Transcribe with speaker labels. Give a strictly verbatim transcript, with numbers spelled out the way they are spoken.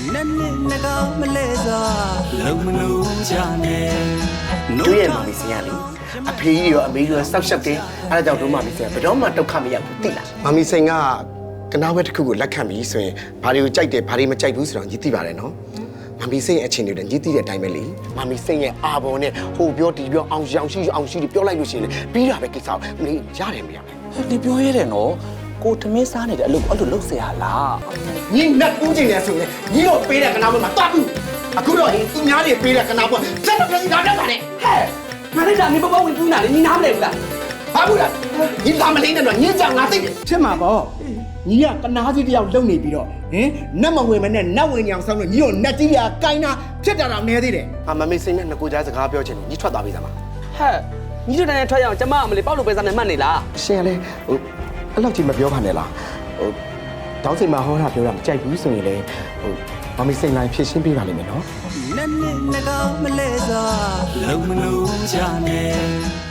Speaker 1: တို့ရဲ့မမီစင်ရလေအဖေကြီးရောအမေကြီးရောစောက်ရှက်တယ်အဲ့ဒါကြောင့်တို့မမီစင်ကဘယ်တော့မှဒုက္ခမရောက်ဘူးသိလားမမီစင်ကကနာဝဲတစ်ခုကိုလက်ခံပြီးဆိုရင်ဘာတွေကိုကြိုက်တယ်ဘာတွေမကြိုက်ဘူးဆိုတော့ညီသိပါတယ်နော်မမီစင်ရဲ့အချင်းတွေလည်းညီသိတဲ့အတိုင်းပဲလေမမီစင်ရဲ့အာဘော်နဲ့ဟိုပြောဒီပြောအောင်ရောင်ရှိအောင်ရှိပြောလိုက်လို့ရှိရင်ပြီးတာပဲကိစ္စမင်းရတယ်မရဘူး
Speaker 2: ဒီပြောရတယ်နော်ကိုသမင်းစားနေတဲ့အလုပ်အဲ့လိုလုပ်เสียလား
Speaker 1: ညီနတ်ဦးကျင်နေဆိုရင်ညီတို့ပေးတဲ့ကနာဝဲမှာတွားဘူးအခုတော့ဟင်သူများတွေပေးတဲ့ကနာဝဲဆက်တော့ပြည်သားတက်တာနဲ့ဟဲ့
Speaker 2: ငါလည်းဒါနေပပဝင်ပူးနာလေညီနားမလဲဘူးလား
Speaker 1: ဘာဘူးလားညီလာမလေးနဲ့တော့ညီကြောင်ငါသိတယ်ဖြစ်မှာပေါ့ညီကကနာကြီးတယောက်လုံနေပြီးတော့ဟင်နတ်မဝင်မနဲ့နတ်ဝင်ညောင်ဆောင်လို့ညီတို့နတ်ကြီးကကိုင်းတာဖြစ်တာတော့နေသေးတယ်အမမေးစိမ့်နဲ့ငကိုကြားစကားပြောချင်တယ်ညီထွက်သွားပြီသားမ
Speaker 2: ဟဲ့ညီတို့တိုင်းထွက်ရအောင်ကျမအမလေးပေါက်လို့ပဲစားနေမှတ်နေလား
Speaker 1: ရှင်ကလေဟိုအဲ့လောက်ကြီးမပြောပါနဲ့လားဟိုတောင်းစိတ်မှာဟောတာပြောတာမကြိုက်ဘူးဆိုရင်လေဟိုမမေးစိမ့်လိုက်ဖြည့်ရှင်းပေးပါလိမ့်မယ်နော်
Speaker 3: နနဲ့ငကောင်းမလဲစွာလုံမလို့ကြနဲ့